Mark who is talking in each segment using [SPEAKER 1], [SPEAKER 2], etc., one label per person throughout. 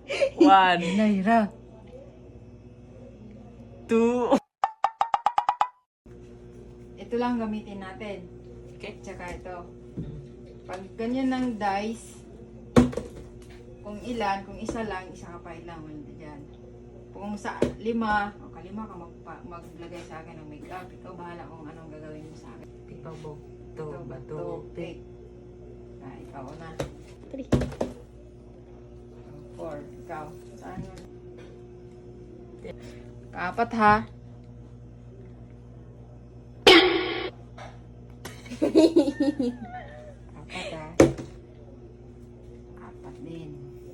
[SPEAKER 1] One.
[SPEAKER 2] Naira.
[SPEAKER 1] Two.
[SPEAKER 2] Ito lang gamitin natin.
[SPEAKER 1] Okay.
[SPEAKER 2] Tsaka ito. Pag ganyan ng dice, kung ilan, kung isa lang, isa ka pa ilang, wala dyan. Kung sa 5, o kalima ka maglagay sa akin ng makeup, ikaw bahala kung anong gagawin mo sa akin.
[SPEAKER 1] Ikaw bo. To, bato, pick.
[SPEAKER 2] Ikaw na.
[SPEAKER 3] 3.
[SPEAKER 2] 4, ikaw. Saan yun? Kaapat ha. Apat ha. Apat din.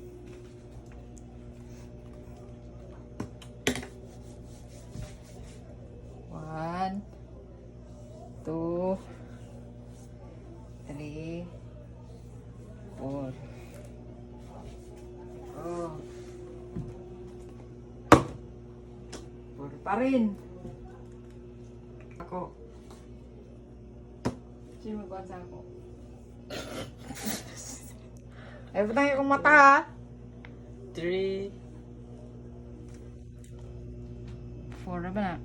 [SPEAKER 2] One, two, three, four. Oh. Four pa rin.
[SPEAKER 1] Ako.
[SPEAKER 2] Sino magbuhat sa ako? Ay, butang akong mata ha.
[SPEAKER 1] 3.
[SPEAKER 2] 4 na ba na?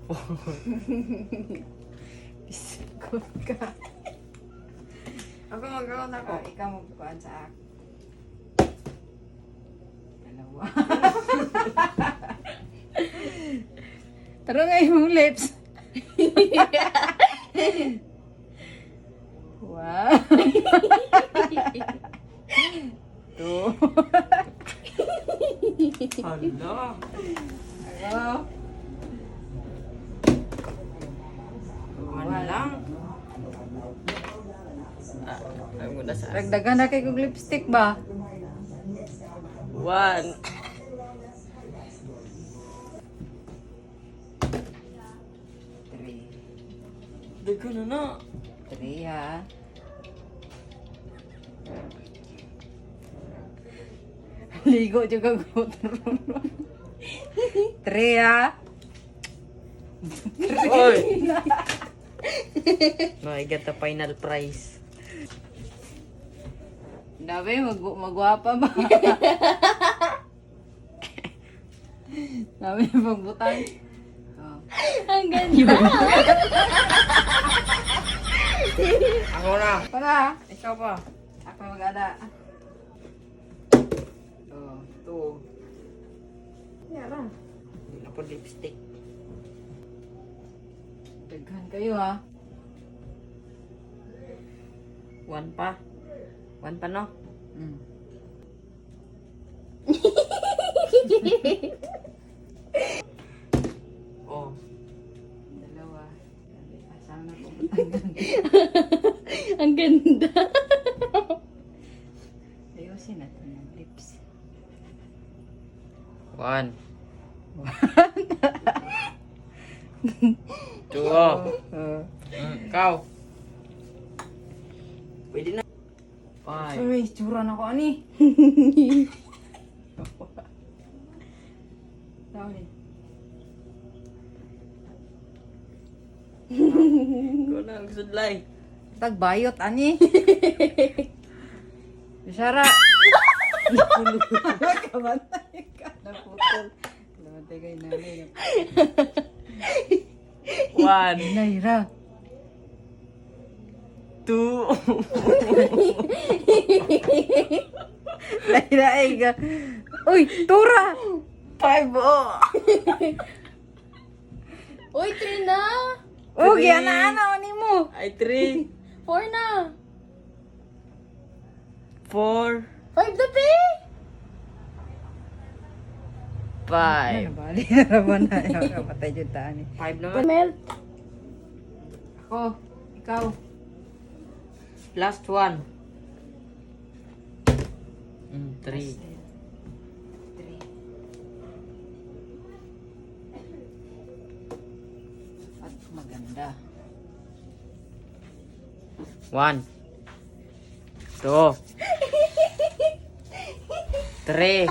[SPEAKER 2] Bisikot ka.
[SPEAKER 1] Ako magkaroon ako.
[SPEAKER 2] Ikaw magbuhat sa ako. Dalawa. Tara nga yung lips. Wow. 2.
[SPEAKER 1] Hala.
[SPEAKER 2] Hello.
[SPEAKER 1] One lang. Ay mo na sa
[SPEAKER 2] Dagdagan na kay kong lipstick ba?
[SPEAKER 1] 1.
[SPEAKER 2] 3.
[SPEAKER 1] Dago na na.
[SPEAKER 2] 3 ha. Ligo juga ko. 3 ha.
[SPEAKER 1] Oy. No, I get the final prize.
[SPEAKER 2] Dabi, magwapa ba? Dabi, magbutang. Oh.
[SPEAKER 3] Ang ganda.
[SPEAKER 1] Ako na.
[SPEAKER 2] Para.
[SPEAKER 1] Ikaw pa.
[SPEAKER 2] Ako mag-ada. Oh, 2. Yara.
[SPEAKER 1] Hindi na po lipstick.
[SPEAKER 2] Daghan kayo ha.
[SPEAKER 1] 1 pa. 1 pa no?
[SPEAKER 2] Mm.
[SPEAKER 1] Oh.
[SPEAKER 2] Dalawa. Sana ko butangan.
[SPEAKER 3] Ang ganda.
[SPEAKER 2] Ayusin natin yung lips.
[SPEAKER 1] 1. 2. Oh. Ikaw. Pwede na. 5.
[SPEAKER 2] Sorry, tsura na ko ani. Tao ni.
[SPEAKER 1] Ikaw na ang sudlay.
[SPEAKER 2] Tagbayot ani. Bisara. Kamatay ka. Naputol. Kamatay kay nanay.
[SPEAKER 1] 1.
[SPEAKER 2] Naira.
[SPEAKER 1] 2.
[SPEAKER 2] Naira ay ka. Uy, tura.
[SPEAKER 1] 5. Oh.
[SPEAKER 3] Uy, 3 na.
[SPEAKER 2] Oh,
[SPEAKER 1] Three.
[SPEAKER 2] giana-ana ni mo.
[SPEAKER 1] Ay 3.
[SPEAKER 3] 4 na.
[SPEAKER 1] 4.
[SPEAKER 3] 5 na, pe.
[SPEAKER 1] 5.
[SPEAKER 2] Bali na naman na. Kapatay dyan taan eh.
[SPEAKER 1] 5 naman.
[SPEAKER 3] Melt.
[SPEAKER 2] Ako, ikaw.
[SPEAKER 1] Last 1. 3.
[SPEAKER 2] 3. At maganda.
[SPEAKER 1] 1. 2. 3.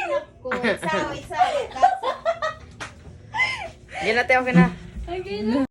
[SPEAKER 3] Isa.
[SPEAKER 1] Hindi natin okay na.
[SPEAKER 3] Okay na.